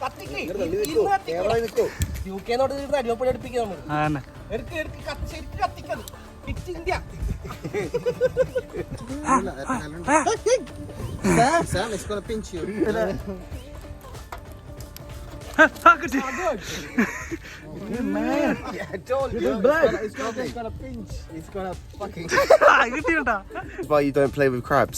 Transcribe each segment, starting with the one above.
അടിമപ്പൊടി അടുപ്പിക്കുക നമ്മൾ കത്തിക്കാൻ India Sam, it's gonna pinch you. Man, I told you. It's gonna pinch. It's gonna fucking. That's why you don't play with crabs.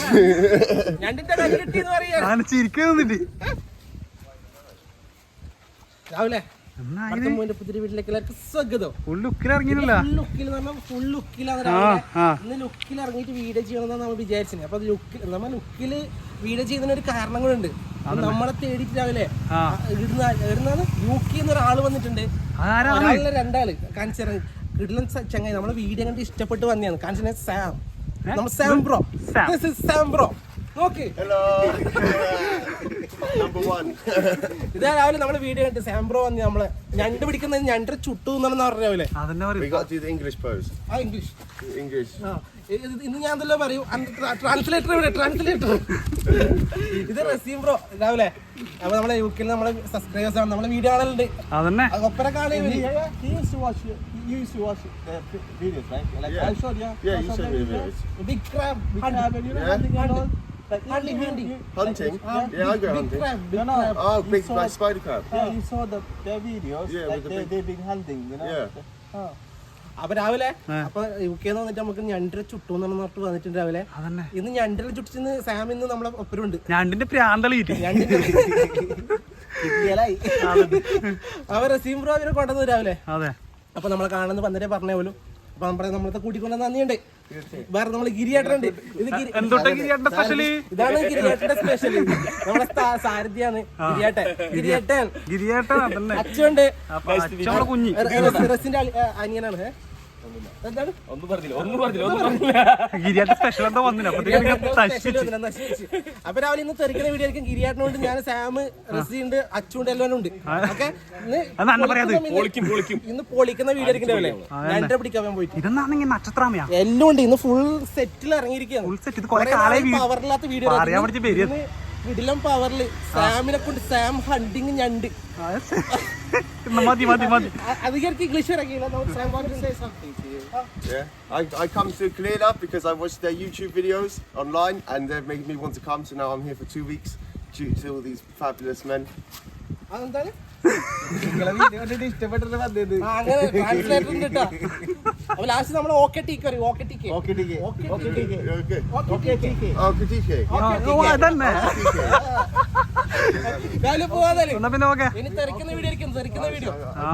രാവിലെ പുതിയ വീട്ടിലേക്ക് എല്ലാവർക്കും സ്വാഗതം. ഫുൾ ലുക്കിലിറങ്ങിയില്ല. ഫുൾ ലുക്കിലാണ് ഇന്ന് ലുക്കിൽ ഇറങ്ങിയിട്ട് വീഡിയോ ചെയ്യണമെന്നാണ് നമ്മൾ വിചാരിച്ചത്. അപ്പൊ നമ്മൾ ലുക്കില് വീഡിയോ ചെയ്യുന്നതിന് ഒരു കാരണങ്ങളുണ്ട്. നമ്മളെ തേടിയിട്ട് രാവിലെ യുകെ ഒരാള് വന്നിട്ടുണ്ട്. രണ്ടാള് കാണിച്ചിറങ്ങി കിടിലൻ ചങ്ങായി നമ്മളെ വീഡിയോ കണ്ട് ഇഷ്ടപ്പെട്ട് വന്നതാണ്. കാണിച്ച സാം, നമ്മൾ സാം ബ്രോ. സാം ബ്രോ നോക്ക്. ഇതാ രാവിലെ നമ്മള് വീഡിയോ കണ്ട് സാംബ്രോ വന്ന് നമ്മളെ ഞണ്ട് പിടിക്കുന്നത് ഞണ്ട് ചുട്ടു എന്നാണെന്ന് പറഞ്ഞു രാവിലെ. English. ഇന്ന് ഞാൻ എന്തെല്ലാം പറയും. ട്രാൻസ്ലേറ്റർ ഇവിടെ, ട്രാൻസ്ലേറ്റർ. ഇത് റസീം ബ്രോ രാവിലെ. അപ്പൊ നമ്മളെ യുകെയിൽ നമ്മളെ സബ്സ്ക്രൈബേഴ്സ് ആണ്, നമ്മളെ വീഡിയോ കാണലുണ്ട്. ഒപ്പര കാണുക. Big crab. Hunting. Yeah, I go hunting. Oh, big spider crab. Yeah, you saw their videos. Yeah, like they've been hunting, you know. Yeah. അപ്പൊ രാവിലെ അപ്പൊ യുകെന്ന് വന്നിട്ട് നമുക്ക് ഞണ്ടിനെ ചുട്ടു എന്ന് പറഞ്ഞിട്ട് വന്നിട്ടുണ്ട് രാവിലെ. ഇന്ന് ഞണ്ടിനെ ചുട്ടിന്ന് സാം ഇന്ന് നമ്മളെ ഒപ്പരുണ്ട്. ഞണ്ടിന്റെ പ്രാന്തളി അവ റസീം ബ്രോ അവരെ കൊണ്ടുവന്നു രാവിലെ. അപ്പൊ നമ്മളെ കാണുന്ന പന്നരെ പറഞ്ഞ പോലും. അപ്പൊ നമ്മളത്തെ കൂട്ടിക്കൊണ്ട നന്ദിയുണ്ട്. വേറെ നമ്മള് ഗിരിയേട്ടനുണ്ട്. ഇതാണ് ഗിരിയേട്ടന്റെ സ്പെഷ്യൽ. നമ്മളെ സാരഥിയാണ് ഗിരിയേട്ടൻ. അച്ഛനുണ്ട്. റസിന്റെ അനിയനാണ്. അപ്പൊ രാവിലെ ഇന്ന് തെറിക്കുന്ന വീഡിയോ ആയിരിക്കും. ഗിരിയാട്ടിനോണ്ട് ഞാൻ സാം, റസിയുണ്ട്, അച്ചുണ്ട്, എല്ലാവരും ഉണ്ട്. ഓക്കെ, ഇന്ന് പൊളിക്കുന്ന വീഡിയോ ആയിരിക്കും രാവിലെ. രണ്ടര പിടിക്കാൻ പോയിട്ട് എല്ലാം ഉണ്ട്. ഇന്ന് ഫുൾ സെറ്റിൽ ഇറങ്ങിയിരിക്കുകയാണ്. പവറില്ലാത്ത വീഡിയോ വീട്ടിലും പവറില് സാമിനെ കൊണ്ട് സാം ഹണ്ടിങ് ഞണ്ട്. അധികം ഇംഗ്ലീഷ് ഇറങ്ങിയില്ല. I come to clear up because I watched their YouTube videos online and they've made me want to come, so now I'm here for 2 weeks due to all these fabulous men. അതെന്താണ് ഇഷ്ടപ്പെട്ടിട്ട് വന്നത്. അപ്പൊ last നമ്മൾ okay ടീക്ക് പറയും. Okay ടീക്ക് ഇനി തെറിക്കുന്ന video ആയിരിക്കും. തെറിക്കുന്ന video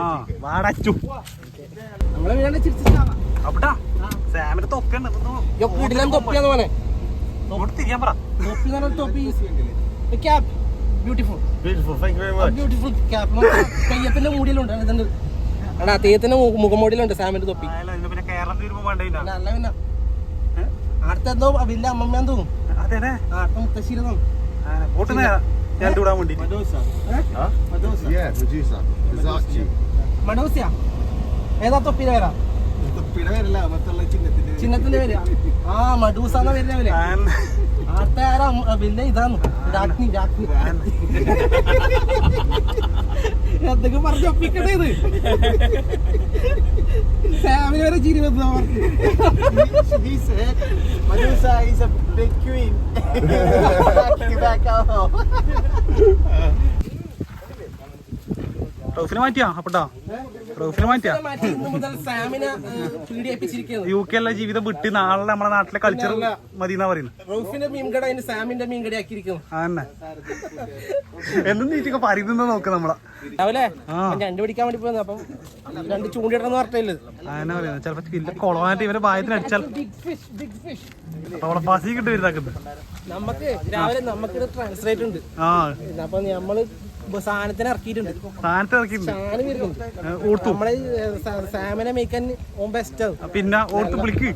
നമ്മളെ വീടാണ്ട് ചിരിച്ചിട്ടാണ്. തൊപ്പിയാന്ന് പോലെ തൊപ്പി cap. Beautiful, thank you very much. Beautiful cap. തെയ്യത്തിന്റെ മൂടിയിലുണ്ട്. എടാ തെയ്യത്തിന്റെ മുഖംമൂടിയിലുണ്ട് സാമിന്റെ തൊപ്പി. അല്ല പിന്നെ അടുത്തെന്തോ വലിയ അമ്മമ്മയാന്ന് തോന്നും. അടുത്ത മുത്തശ്ശീല തോന്നും. മഡോസിയ ഏതാ തൊപ്പിയുടെ പേരാ? ചിഹ്നത്തിന്റെ പേര് മഡൂസാന്ന പേരിന്റെ പേര്. അടുത്ത ആരാ വലിയ ഇതാണ് രാജ്ഞി. എന്തൊക്കെ പറഞ്ഞൊപ്പിക്കട്ടെ. ഇത് സാമിന് വരെ ചിരി വന്നു. യുകെയിലെ ജീവിതം വിട്ട് നാളെ നമ്മളെ നാട്ടിലെ കൾച്ചർ മതി എന്നാ പറയുന്നത്. എന്നും നീറ്റൊക്കെ പറയുന്ന നോക്കാം നമ്മളെ രാവിലെ ഞണ്ട് പിടിക്കാൻ വേണ്ടി പോയത്. അപ്പം രണ്ട് ചൂണ്ടിടന്ന് പറഞ്ഞില്ല. അങ്ങനെ പറയുന്നത് ചിലപ്പോ വലിയ കുളമായിട്ട് ഇവരെ ഭാഗത്തിന് അടിച്ചാൽ പസി കിട്ടി വരുന്നത്. നമുക്ക് രാവിലെ നമുക്ക് ട്രാൻസ്ലേറ്റ് ഉണ്ട്. അപ്പൊ നമ്മള് സാധനത്തിന് ഇറക്കിയിട്ടുണ്ട്. നമ്മളെ സാമിനെ മേക്കാൻ ബെസ്റ്റ് ആണ്. പിന്നെ ഓർത്ത് വിളിക്ക്.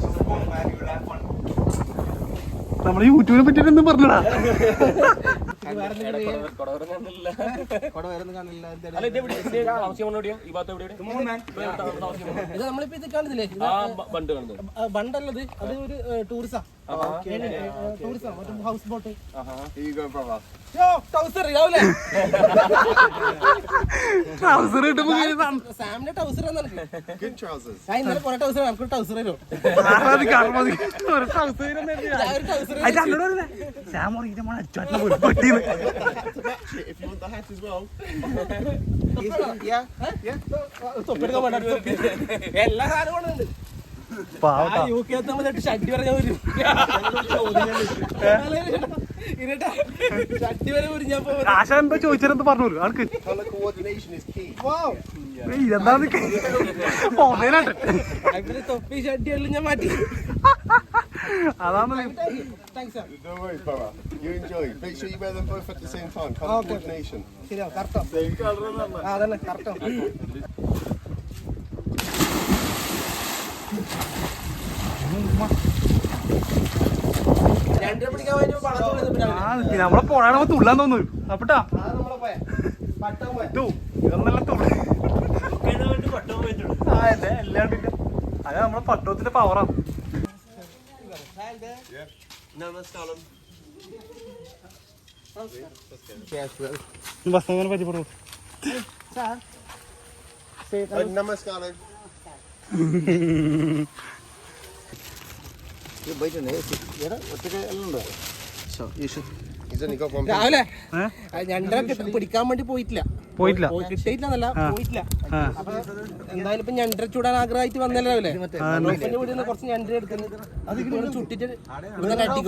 നമ്മള് യൂട്യൂബിനെ പറ്റിട്ട് എന്തും പറഞ്ഞടാ. ഇത് നമ്മളിപ്പോ ഇത് കാണുന്നില്ലേ ബണ്ടല്ലത് അത് ഒരു ടൂറിസാ ടൂറിസം മറ്റേ house boat Here you go, brother. Trouser രാവിലെ ട്രൗസർ കിട്ടുമ്പോ സാമിന്റെ ടൗസർ Good trousers. ഞാൻ ഇന്നലെ കുറെ ടൗസർ നമുക്ക് ടൗസർ തരും പട്ടിന്ന് If you want the hat as well. തൊപ്പിയെടുക്കാൻ വേണ്ട എല്ലാ സാധനവും ഉണ്ട് UK ഷഡ്ഡി പറഞ്ഞാൽ വരും ഷഡ്ഡി വരെ ഞാൻ ആശ എന്തോ ചോദിച്ചാലെന്ത് പറഞ്ഞു ആൾക്ക് Color coordination is key. ഇതെന്താന്ന് തൊപ്പി ഷഡ്ഡി എല്ലാം ഞാൻ മാറ്റി അതാണ് thanks sir Don't worry, brother. You enjoy. Make sure you wear them both at the same time. Color coordination. ശരിയാ കറക്റ്റോ അതന്നെ കറക്റ്റോ രണ്ടര പിടിക്കാൻ വേണ്ടി നമ്മളെ പോണാണ് തുള്ളാൻ തോന്നുന്നു അപ്പട്ടാ നമ്മളെ പോയ പട്ടം പോയ ഇതൊന്നെല്ലാം തുള്ളി എല്ലാണ്ടില്ല അത് നമ്മളെ പട്ടത്തിന്റെ പവറാണ് Namaskaram. ബസ്സങ്ങനെ പരിചയപ്പെടും Namaskaram. He's only got one. രാവിലെ രണ്ടര പിടിക്കാൻ വേണ്ടി പോയിട്ടില്ല പോയിട്ടില്ല കിട്ടിയിട്ടില്ല പോയിട്ടില്ല അപ്പൊ എന്തായാലും ഇപ്പൊ ഞണ്ടര ചൂടാൻ ആഗ്രഹമായിട്ട് വന്നല്ലോ രാവിലെ അപ്പന്റെ വീട്ടിൽ നിന്ന് കുറച്ച് ഞണ്ടര എടുക്കുന്നു അത് ചുട്ടിട്ട് ഇവിടെ കട്ടിക്കും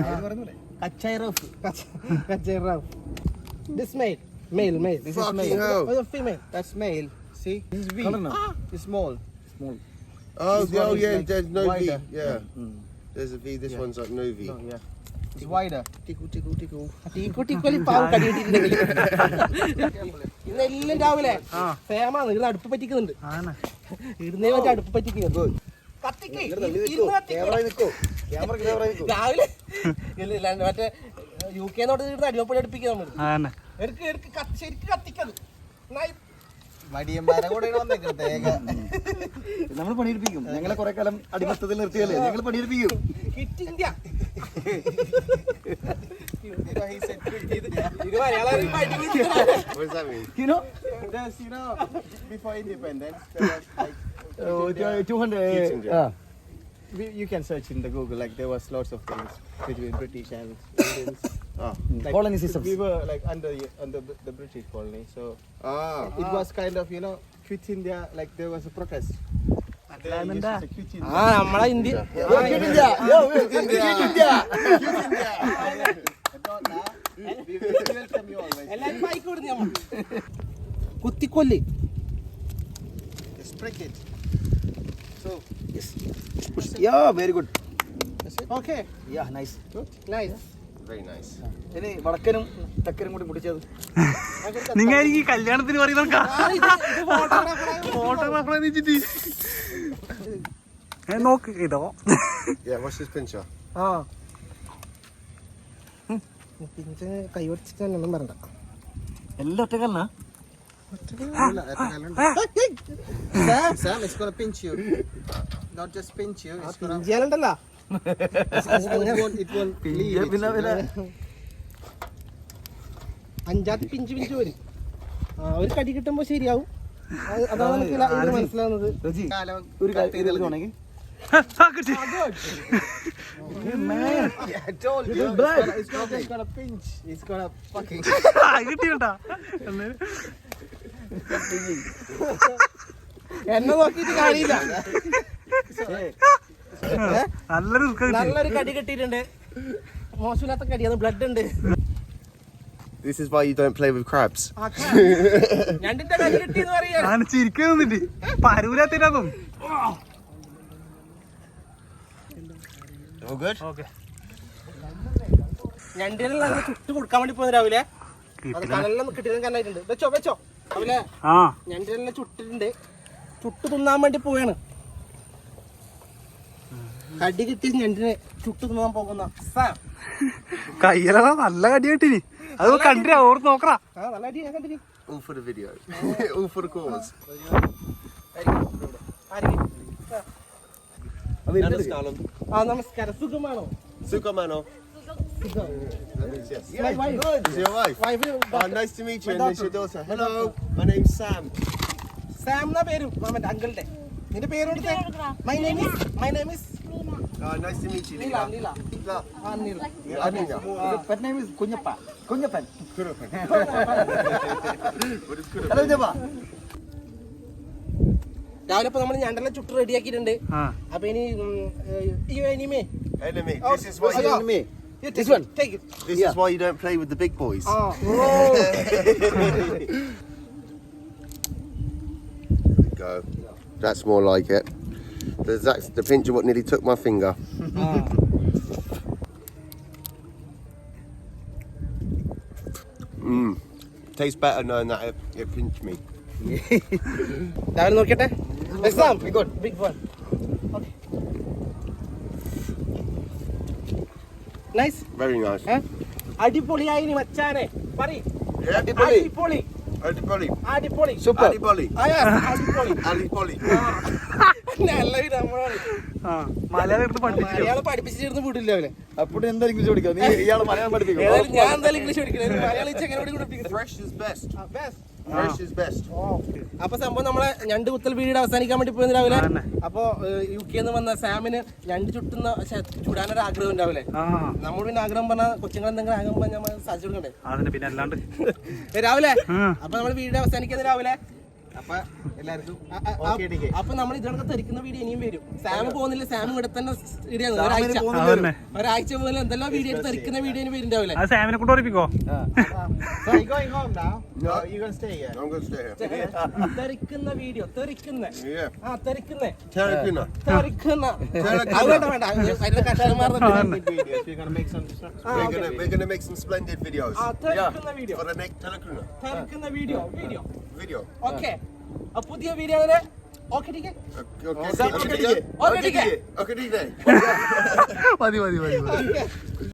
കച്ചൈറാഫ് This male. This is male. Oh, the female. That's male. See? This is V. It's small. Oh, This one is yeah. like There's no wider. V. Yeah. There's a V. This one's like no V. No, yeah. It's wider. Tickle. ടീക്കോലി പാവം കടിയിട്ടിട്ടുണ്ടെങ്കിൽ ഇന്നെല്ലാം രാവിലെ ഫേമാണ് ഇത് അടുപ്പ് പറ്റിക്കുന്നുണ്ട് ഇടുന്നേ മറ്റേ അടുപ്പ് പറ്റിക്കുന്നു രാവിലെ മറ്റേ UK ഇടുന്ന അടിമപ്പടി അടുപ്പിക്കുക നമ്മൾ ശരിക്കും കത്തിക്കത് മടിയന്മാരെ കൂടെ വന്നേക്കും തേങ്ങ നമ്മൾ പണിയെടുപ്പിക്കും ഞങ്ങളെ കുറെ കാലം അടിമത്തത്തിൽ നിർത്തിയല്ലേ ഞങ്ങൾ പണിയെടുപ്പിക്കും kit India What does that mean? There's before independence there was like 200 you can search in the Google, like there was lots of things between British and Indians. Like, colonialism. We were like under the British colony, so it was kind of quit India. Like there was a protest. നമ്മളെ India എല്ലാരും bike കൊടുത്തു നമ്മൾ കുത്തിക്കൊല്ലി So yes. Yeah, very good. Okay Yeah, nice. Nice Very nice. ഇനി വടക്കനും തെക്കനും കൂടി മുടിച്ചത് നിങ്ങൾ ഈ കല്യാണത്തിന് പറയുന്ന ഫോട്ടോഗ്രാഫറെ വെച്ചിട്ട് നോക്ക് ഇതോ Yeah. Watch this pincher. ആ പിന്നെ കൈ ഒടിച്ചിട്ടൊന്നും പറയണ്ട എല്ലാം ഒറ്റക്കല്ല Sam, it's gonna pinch you. Not just pinch you. It's gonna. ചെയ്യാനുണ്ടല്ലോ It won't leave. അഞ്ചാത്തി പിഞ്ച് വരും ഒരു കടി കിട്ടുമ്പോ ശരിയാവും അതാണ് നമുക്ക് ഇത് മനസ്സിലാവുന്നത് ഒരു കാര്യം I told you. It's not just gonna pinch. It's gonna fucking. കിട്ടിയട്ടാ എന്നെ നോക്കിയിട്ട് കാര്യമില്ല നല്ലൊരു കടി കിട്ടിയിട്ടുണ്ട് മോശമില്ലാത്ത കടിയാണ് ബ്ലഡ് ഉണ്ട് This is why you don't play with crabs. ഞണ്ടിന്റെ കടി കിട്ടിയെന്ന് പറയാ ഞാൻ ചിരിക്കാൻ നിന്നിട്ട് പരൂരാത്തിനും All good? ഓക്കെ ഞണ്ടിനെല്ലാം ചുട്ട് കൊടുക്കാൻ വേണ്ടി പോകുന്ന രാവിലെ അത് കനലെല്ലാം കിട്ടിയതും കനായിട്ടുണ്ട് വെച്ചോ രാവിലെ ആ ഞണ്ടിനെല്ലാം ചുട്ടിട്ടുണ്ട് ചുട്ട് തിന്നാൻ വേണ്ടി പോവാണ് കടി കിട്ടിയ ഞണ്ടിനെ ചുട്ട് തിന്നാൻ പോകുന്ന കയ്യിലാ നല്ല കടി കിട്ടിനി അത് കണ്ടിരാ ഓർത്ത് നോക്കറാ. നല്ല അടി ഞാൻ കണ്ടിരി. All for the video. All for the cause. നമസ്കാരം. സുഖമാണോ? Sukamano. Yes. My wife. Is your wife? Oh, nice to meet you. And this is your daughter. Hello. My name's Sam. Sam എന്നാ പേര് മാമന്റെ അങ്കിളുടെ. നിന്റെ പേര് കൊടുത്തേ. My name is Oh, nice to meet you. Nila. Nila. Nila. Nila. Pet name is Kunyapan. Kurupan. What is Kurupan? Hello, Jabba. രാവിലെ ഇപ്പൊ നമ്മൾ ഞണ്ടെല്ലാം ചുട്ട് റെഡിയാക്കിയിട്ടുണ്ട്. അപ്പൊ ഇനി എനിമേ Enemy. This is why you Enemy. this one take it. This is why you don't play with the big boys. Go. That's more like it. That's the pinch of what nearly took my finger. Tastes better knowing that it pinched me. രാവിലെ നോക്കിട്ടെ. Exam big one. Nice. Very nice. അടിപൊളിയായി നീ മച്ചാനെ പറയ്. Yeah. അടിപൊളി. അടിപൊളി. Super. Adipoli. അടിപൊളി. Adipoli. നല്ല നമ്മളാണ് മലയാളം എടുത്ത് പഠിപ്പിച്ചു. മലയാളം പഠിപ്പിച്ചിരുന്ന് വിടില്ല അവനെ. അപ്പോൾ എന്തായാലും ഇംഗ്ലീഷ് പഠിക്കാം. നീ ഇയാളെ മലയാളം പഠിപ്പിക്കും. ഏതായാലും ഞാൻ എന്തായാലും ഇംഗ്ലീഷ് പഠിക്കണം. മലയാളം എങ്ങനെ പഠിപ്പിക്കുന്നത്? Fresh is best. Best. Fresh is best. അപ്പൊ സംഭവം നമ്മളെ ഞണ്ട് കുത്തൽ വീട് അവസാനിക്കാൻ വേണ്ടി പോയത് രാവിലെ. അപ്പൊ UK വന്ന സാമിന് ഞണ്ട് ചുടാനൊരു ആഗ്രഹം ഉണ്ടാവില്ലേ? നമ്മൾ പിന്നെ ആഗ്രഹം പറഞ്ഞാൽ കൊച്ചുങ്ങൾ എന്തെങ്കിലും ആഗ്രഹം പറഞ്ഞാൽ നമ്മൾ സാധിച്ചു കൊടുക്കണ്ടേ? അതിന് പിന്നെ അല്ലാണ്ട് രാവിലെ അപ്പൊ നമ്മള് വീട് അവസാനിക്കുന്നത് രാവിലെ. അപ്പൊ എല്ലാവർക്കും അപ്പൊ നമ്മൾ ഇതിനൊക്കെ തെറിക്കുന്ന വീഡിയോ ഇനിയും വരും. സാം പോകുന്നില്ല. സാം ഇവിടെ തന്നെ ഇടിയാണ്. ഒരാഴ്ച പോലെ എന്തെല്ലാം വീഡിയോ തെറിക്കുന്ന വീഡിയോ ഇനി വരുന്നുണ്ടാവില്ലേ? അത് സാമിനെ കൊണ്ട് ഓർപ്പിക്കോ. So you going home now? No, you gonna stay here. I'm going to stay here. തെറിക്കുന്ന വീഡിയോ തെറിക്കുന്ന Yeah. തെറിക്കുന്നേ Terracuna. തെറിക്കുന്ന വേണ്ട അതിന്റെ കഷ്ടമാർന്ന Videos. We're gonna make some. We're gonna make some splendid videos. തെറിക്കുന്ന video For the next Terracuna തെറിക്കുന്ന വീഡിയോ video. ഓക്കെ പുതിയ video okay Okay. Okay. Okay. മതി.